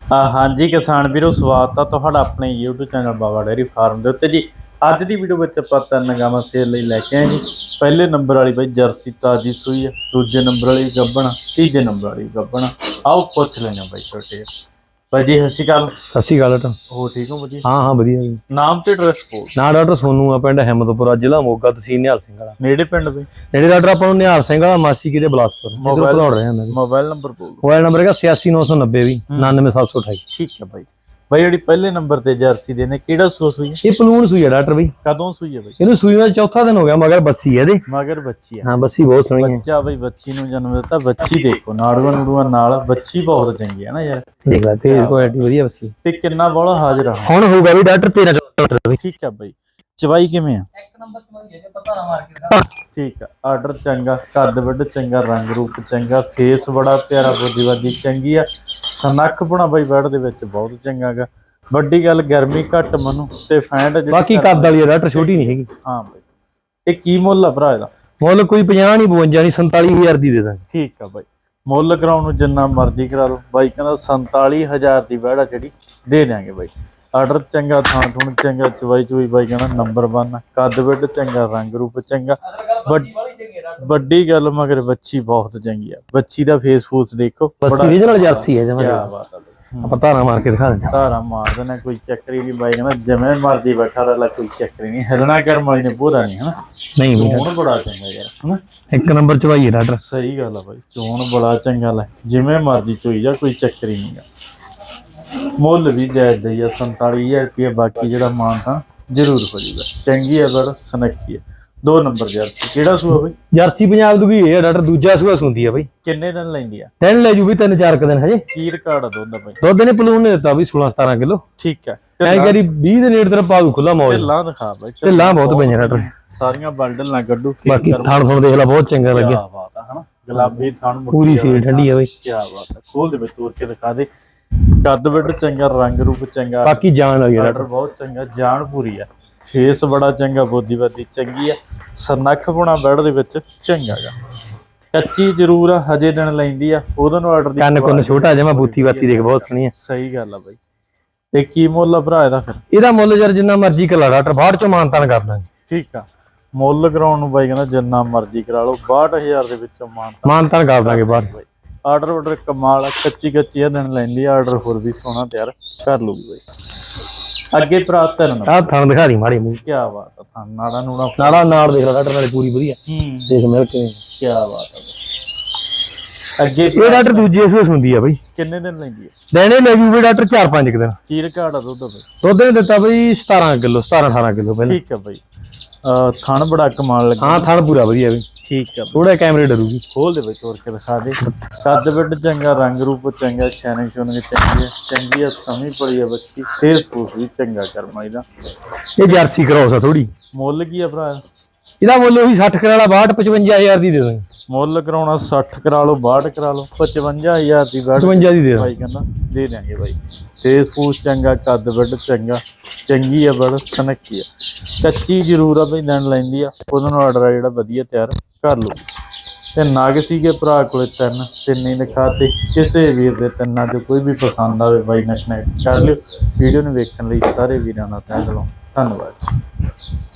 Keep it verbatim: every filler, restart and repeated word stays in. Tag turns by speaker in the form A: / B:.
A: हाँ जी किसान वीरो स्वागत है तुहाडा अपने YouTube channel Baba dairy farm के उत्ते जी। अज की वीडियो में आप तीन गावां सेल लई लैके आए जी। पहले नंबर वाली बई जर्सी ताजी सूई है, दूजे नंबर वाली गब्बन, तीजे नंबर वाली गब्बन। आओ पुछ लेंगे बई छोटे भाई जी। सत श्री अकाल।
B: सत श्री अकाल बेटा।
A: हो ठीक हो भाजी?
B: हाँ हाँ वधिया जी।
A: नाम ते एड्रैस बोल।
B: ना डॉक्टर सोनू आ, पिंड हिम्मतपुरा, जिला मोगा, तहसील निहाल सिंह वाला।
A: नेड़े पिंड बई
B: नेड़े डॉक्टर ਆਪਾਂ ਨੂੰ ਨਿਹਾਲ ਸਿੰਘ ਵਾਲਾ, ਮਾਸੀ ਕਿਤੇ ਬਲਾਸਪੁਰ।
A: मोबाइल
B: ਪੜਾਉਣ ਰਹੇ ਹਾਂ।
A: मोबाइल नंबर बोल।
B: मोबाइल नंबर ਹੈਗਾ छियासी नौ सौ नब्बे भी नानवे सात सौ अठाई।
A: ठीक है भाई। भाई ਜਿਹੜੀ ਪਹਿਲੇ ਨੰਬਰ ਤੇ ਜਰਸੀ ਦੇ ਨੇ ਕਿਹੜਾ ਸੂਆ ਸੂਈ ਹੈ?
B: ਇਹ ਪਲੂਣ ਸੂਈ ਹੈ ਡਾਕਟਰ ਬਈ।
A: ਕਦੋਂ ਸੂਈ ਹੈ ਬਈ?
B: ਇਹਨੂੰ ਸੂਈ ਦਾ ਚੌਥਾ ਦਿਨ ਹੋ ਗਿਆ, ਮਗਰ ਬੱਸੀ ਹੈ ਇਹਦੇ।
A: ਮਗਰ ਬੱਚੀ ਹੈ।
B: ਹਾਂ ਬੱਸੀ ਬਹੁਤ ਸੋਹਣੀ ਹੈ।
A: ਬੱਚਾ ਬਈ ਬੱਚੀ ਨੂੰ ਜਨਮ ਦਿੱਤਾ। ਬੱਚੀ ਦੇਖੋ ਨਾੜੂਆਂ ਨੂੜੂਆਂ ਨਾਲ ਬੱਚੀ ਬਹੁਤ ਚੰਗੀ ਹੈ ਨਾ ਯਾਰ।
B: ਦੇਖ ਲੈ ਤੇ ਕੁਆਲਿਟੀ ਵਧੀਆ ਬੱਸੀ।
A: ਤੇ ਕਿੰਨਾ ਬੋਲਾ ਹਾਜ਼ਰ ਆ
B: ਹੁਣ ਹੋਊਗਾ ਵੀ ਡਾਕਟਰ ਤੇਰਾਂ ਚੌਦਾਂ ਬਈ।
A: ਠੀਕ ਹੈ ਬਈ। ਚਵਾਈ ਕਿਵੇਂ ਆ?
B: ਇੱਕ ਨੰਬਰ ਚਵਾਈ ਹੈ ਜੇ ਪਤਾ ਨਾ ਮਾਰ ਕੇ।
A: ਠੀਕ ਆ। ਆਰਡਰ ਚੰਗਾ, ਕੱਦ ਵੱਡ ਚੰਗਾ, ਰੰਗ ਰੂਪ ਚੰਗਾ, ਫੇਸ ਬੜਾ ਪਿਆਰਾ, ਬੋਦੀਵਾਦੀ ਚੰਗੀ ਆ, ਸਨੱਖ ਪੁਣਾ ਬਈ ਬੈਡ ਦੇ ਵਿੱਚ ਬਹੁਤ ਚੰਗਾ ਗਾ। ਵੱਡੀ ਗੱਲ ਗਰਮੀ ਘੱਟ ਮਨੂੰ ਤੇ ਫੈਂਟ
B: ਬਾਕੀ ਕੱਦ ਵਾਲੀ ਹੈ ਡਾਕਟਰ, ਛੋਟੀ ਨਹੀਂ ਹੈਗੀ।
A: ਹਾਂ ਬਈ। ਇਹ ਕੀ ਮੁੱਲ ਆ ਭਰਾ ਇਹਦਾ?
B: ਮੁੱਲ ਕੋਈ ਪੰਜਾਹ ਨਹੀਂ ਬਵੰਜਾ ਨਹੀਂ ਸੰਤਾਲੀ ਹਜ਼ਾਰ ਦੀ ਦੇ ਦਾਂਗੇ।
A: ਠੀਕ ਆ ਬਈ। ਮੁੱਲ ਕਰਾਉਣ ਨੂੰ ਜਿੰਨਾ ਮਰਜ਼ੀ ਕਰਾ ਲਓ ਬਾਈ ਕਹਿੰਦਾ ਸੰਤਾਲੀ ਹਜ਼ਾਰ ਦੀ ਬੈੜ ਆ ਜਿਹੜੀ ਦੇ ਦਿਆਂਗੇ ਬਾਈ। ਆਰਡਰ ਚੰਗਾ, ਥਾਂ ਥੁਣ ਚੰਗਾ, ਚਵਾਈ ਚੁਈ ਬਾਈ ਕਹਿੰਦਾ ਨੰਬਰ ਵਨ, ਕੱਦ ਵੱਡ ਚੰਗਾ, ਰੰਗ ਰੂਪ ਚੰਗਾ। ਵੱਡੀ ਗੱਲ ਮਗਰ ਬੱਚੀ ਬਹੁਤ ਚੰਗੀ ਆ। ਬੱਚੀ ਦਾ ਫੇਸ ਫੂਸ ਦੇਖੋ,
B: ਬੱਸੀ ਰੀਜਨਲ ਜਰਸੀ ਹੈ ਜਮਾ।
A: ਕੀ ਬਾਤ ਆ।
B: ਆਪਾਂ ਧਾਰਾ ਮਾਰ ਕੇ ਦਿਖਾ ਦਿੰਦੇ।
A: ਧਾਰਾ ਮਾਰ ਦੇਣਾ, ਕੋਈ ਚੱਕਰੀ ਨਹੀਂ ਬਾਈ ਕਹਿੰਦਾ ਜਿਵੇਂ ਮਰਦੀ ਬੈਠਾ ਰਹਿ, ਕੋਈ ਚੱਕਰੀ ਨਹੀਂ, ਹਿਲਣਾ ਕਰਮ ਵਾਲੀ ਨੇ ਪੂਰਾ ਨਹੀਂ ਹਨਾ।
B: ਨਹੀਂ
A: ਚੋਣ ਬੜਾ ਚੰਗਾ ਯਾਰ ਹਨਾ।
B: ਇੱਕ ਨੰਬਰ ਚਵਾਈ ਹੈ ਡਾਕਟਰ।
A: ਸਹੀ ਗੱਲ ਆ ਬਾਈ, ਚੋਣ ਬੜਾ ਚੰਗਾ ਲੈ, ਜਿਵੇਂ ਮਰਦੀ ਚੋਈ ਜਾ, ਕੋਈ ਚੱਕਰੀ ਨਹੀਂ ਗਾ। ਮੁੱਲ ਵੀ ਜਾਇਜ਼ ਦਈ ਆ ਸੰਤਾਲੀ ਹਜ਼ਾਰ ਰੁਪਏ। ਬਾਕੀ ਜਿਹੜਾ ਮਾਨ ਤਾਂ ਜ਼ਰੂਰ ਹੋ ਜੂਗਾ। ਚੰਗੀ ਹੈ ਬੜ ਸਨੱਖੀ ਹੈ। ਦੋ ਨੰਬਰ ਜਰਸੀ ਕਿਹੜਾ ਸੂਆ ਬਈ?
B: ਜਰਸੀ ਪੰਜਾਬ ਦੀ ਹੈ ਡਾਕਟਰ, ਦੂਜਾ ਸੂਆ ਸੁੰਦੀ ਆ ਬਈ।
A: ਕਿੰਨੇ ਦਿਨ ਲੈਂਦੀ ਆ?
B: ਦਿਨ ਲੈ ਜੂ ਵੀ ਤਿੰਨ ਚਾਰ ਕ ਦਿਨ ਹਜੇ।
A: ਕੀ ਰਿਕਾਰਡ ਆ ਦੁੱਧ ਦਾ ਬਈ?
B: ਦੁੱਧ ਨੇ ਪਲੂਨ ਨੇ ਦਿੱਤਾ ਵੀ ਸੋਲਾਂ ਸਤਾਰਾਂ ਕਿਲੋ।
A: ਠੀਕ ਹੈ।
B: ਐਂ ਕਰੀ ਵੀਹ ਦੇ ਨੇੜੇ ਤੇਰਾ ਪਾ ਦੂ ਖੁੱਲਾ ਮੌਜ।
A: ਢਿੱਲਾਂ ਦਿਖਾ ਬਈ।
B: ਢਿੱਲਾਂ ਬਹੁਤ ਪਈਆਂ ਡਾਕਟਰ,
A: ਸਾਰੀਆਂ ਬਲਡਲ ਨਾ ਕੱਢੂ।
B: ਬਾਕੀ ਥਣ ਥਣ ਦੇਖ ਲੈ ਬਹੁਤ ਚੰਗਾ ਲੱਗਿਆ।
A: ਕੀ ਬਾਤ ਆ ਹਨਾ। ਗੁਲਾਬੀ ਥਣ
B: ਪੂਰੀ ਸੀਲ ਠੰਡੀ ਆ ਬਈ।
A: ਕੀ ਬਾਤ ਆ। ਖੋਲ ਦੇ ਵਿੱਚ ਤੋੜ ਕੇ ਦਿਖਾ ਦੇ। ਕੱਦ ਵੱਡ ਚੰਗਾ, ਰੰਗ ਰੂਪ ਚੰਗਾ,
B: ਬਾਕੀ ਜਾਨ ਵਾਲੀ
A: ਆਰਡਰ ਬਹੁਤ ਚੰਗਾ, ਜਾਨ ਪੂਰੀ ਆ, ਫੇਸ ਬੜਾ ਚੰਗਾ, ਬੋਦੀਵਾਦੀ ਚੰਗੀ ਆ, ਸਨੱਖ ਪੁਣਾ ਬੈਡ ਦੇ ਵਿੱਚ ਚੰਗਾ ਗਾ। ਕੱਚੀ ਜ਼ਰੂਰ ਆ, ਹਜੇ ਦਿਨ ਲੈਂਦੀ ਆ। ਉਹਦੋਂ ਨੂੰ ਆਰਡਰ ਦੀ
B: ਕੰਨ ਕੁੰਨ ਛੋਟਾ ਜਮਾ, ਬੂਥੀ ਬਾਤੀ ਦੇਖ ਬਹੁਤ ਸੋਹਣੀ ਆ।
A: ਸਹੀ ਗੱਲ ਆ ਬਾਈ। ਤੇ ਕੀ ਮੁੱਲ ਆ ਭਰਾ ਇਹਦਾ ਫਿਰ?
B: ਇਹਦਾ ਮੁੱਲ ਯਾਰ ਜਿੰਨਾ ਮਰਜ਼ੀ ਕਰਾ ਡਾਕਟਰ, ਬਾਹਰ ਚੋਂ ਮਾਨਤਾਨ ਕਰ ਦਾਂਗੇ।
A: ਠੀਕ ਆ। ਮੁੱਲ ਕਰਾਉਣ ਨੂੰ ਬਾਈ ਕਹਿੰਦਾ ਜਿੰਨਾ ਮਰਜ਼ੀ ਕਰਾ ਲਓ, ਬਾਹਠ ਹਜ਼ਾਰ ਦੇ ਵਿੱਚੋਂ ਮਾਨਤਾਨ
B: ਮਾਨਤਾਨ ਕਰ ਦਾਂਗੇ ਬਾਹਰ।
A: ਆਰਡਰ ਆਰਡਰ ਕਮਾਲ ਆ। ਕੱਚੀ ਕੱਚੀ ਆ ਦਿਨ ਲੈਂਦੀ ਆ। ਆਰਡਰ ਹੋਰ ਵੀ ਸੋਹਣਾ ਤਿਆਰ ਕਰ ਲੂਗੀ ਬਾਈ। ਅੱਗੇ ਭਰਾ ਤਿੰਨ
B: ਆਹ ਥਣ ਦਿਖਾ ਦੀ ਮਾੜੀ ਮੂੰਹ।
A: ਕੀ ਬਾਤ ਆ। ਥਾਂ ਨਾੜਾ ਨੂੜਾ
B: ਨਾੜਾ ਨਾੜ ਦੇਖ ਲੈ ਡਾਕਟਰ, ਨਾਲੇ ਪੂਰੀ ਵਧੀਆ ਦੇਖ ਮਿਲ ਕੇ।
A: ਕੀ ਬਾਤ ਆ। ਅੱਗੇ
B: ਇਹ ਡਾਕਟਰ ਦੂਜੀ ਸੂਸ ਹੁੰਦੀ ਆ ਬਈ।
A: ਕਿੰਨੇ ਦਿਨ ਲੈਂਦੀ ਆ?
B: ਦੇਣੇ ਲੈ ਜੂ ਵੀ ਡਾਕਟਰ ਚਾਰ ਪੰਜ ਦਿਨ।
A: ਕੀ ਰਿਕਾਰਡ ਆ ਦੁੱਧ ਦਾ ਬਈ?
B: ਦੁੱਧ ਨੇ ਦਿੱਤਾ ਬਈ ਸਤਾਰਾਂ ਕਿਲੋ, ਸਤਾਰਾਂ ਅਠਾਰਾਂ ਕਿਲੋ ਪਹਿਲਾਂ।
A: ਠੀਕ ਆ ਬਈ। ਥਣ ਬੜਾ ਕਮਾਲ ਲੱਗਾ।
B: ਹਾਂ ਥਣ ਪੂਰਾ ਵਧੀਆ ਬਈ।
A: ਠੀਕ ਆ।
B: ਥੋੜਾ ਕੈਮਰੇ ਡਰੂਗੀ।
A: ਖੋਲ ਦੇ ਵਿੱਚ ਤੋੜ ਕੇ ਦਿਖਾ ਦੇ। ਕੱਦ ਵੱਡ ਚੰਗਾ, ਰੰਗ ਰੂਪ ਚੰਗਾ, ਸ਼ੈਨਿੰਗ ਸ਼ੋਨਿੰਗ ਚੰਗੀ ਆ, ਚੰਗੀ ਆ, ਸਮੀ ਪੜੀ ਆ ਬੱਚੀ, ਫੇਸ ਫੂਸ ਵੀ ਚੰਗਾ ਕਰਮਾ ਇਹਦਾ।
B: ਇਹ ਜਰਸੀ ਕਰਾਉਸ ਆ ਥੋੜੀ।
A: ਮੁੱਲ ਕੀ ਆ ਭਰਾ
B: ਇਹਦਾ ਮੁੱਲ ਉਹੀ ਸੱਠ ਕਰਾਲਾ ਬਾਹਠ ਪਚਵੰਜਾ ਹਜ਼ਾਰ ਦੀ ਦੇ ਦਾਂਗੇ।
A: ਮੁੱਲ ਕਰਾਉਣਾ ਸੱਠ ਕਰਾ ਲਓ, ਬਾਹਠ ਕਰਾ ਲਓ, ਪਚਵੰਜਾ ਹਜ਼ਾਰ ਦੀ ਬੈਠ
B: ਪਚਵੰਜਾ ਦੀ ਦੇ
A: ਭਾਈ ਕਹਿੰਦਾ ਦੇ ਦਿਆਂਗੇ ਬਾਈ। ਫੇਸ ਫੂਸ ਚੰਗਾ, ਕੱਦ ਵੱਡ ਚੰਗਾ, ਚੰਗੀ ਆ ਬੜ ਸਨੱਖੀ ਆ। ਕੱਚੀ ਜ਼ਰੂਰ ਆ ਬਈ, ਦਿਨ ਲੈਂਦੀ ਆ। ਉਹਦੇ ਨੂੰ ਆਰਡਰ ਆ ਜਿਹੜਾ ਵਧੀਆ ਤਿਆਰ ਕਰ ਲਓ। ਤੇ ਨਗ ਸੀਗੇ ਭਰਾ ਕੋਲੇ ਤਿੰਨ, ਤਿੰਨ ਹੀ ਦਿਖਾਤੇ। ਕਿਸੇ ਵੀਰ ਦੇ ਤਿੰਨਾਂ ਚੋਂ ਕੋਈ ਵੀ ਪਸੰਦ ਆਵੇ ਬਾਈ ਨਾਲ ਕਨੈਕਟ ਕਰ ਲਿਓ। ਵੀਡੀਓ ਨੂੰ ਵੇਖਣ ਲਈ ਸਾਰੇ ਵੀਰਾਂ ਦਾ ਤਹਿ ਦਿਲੋਂ ਧੰਨਵਾਦ।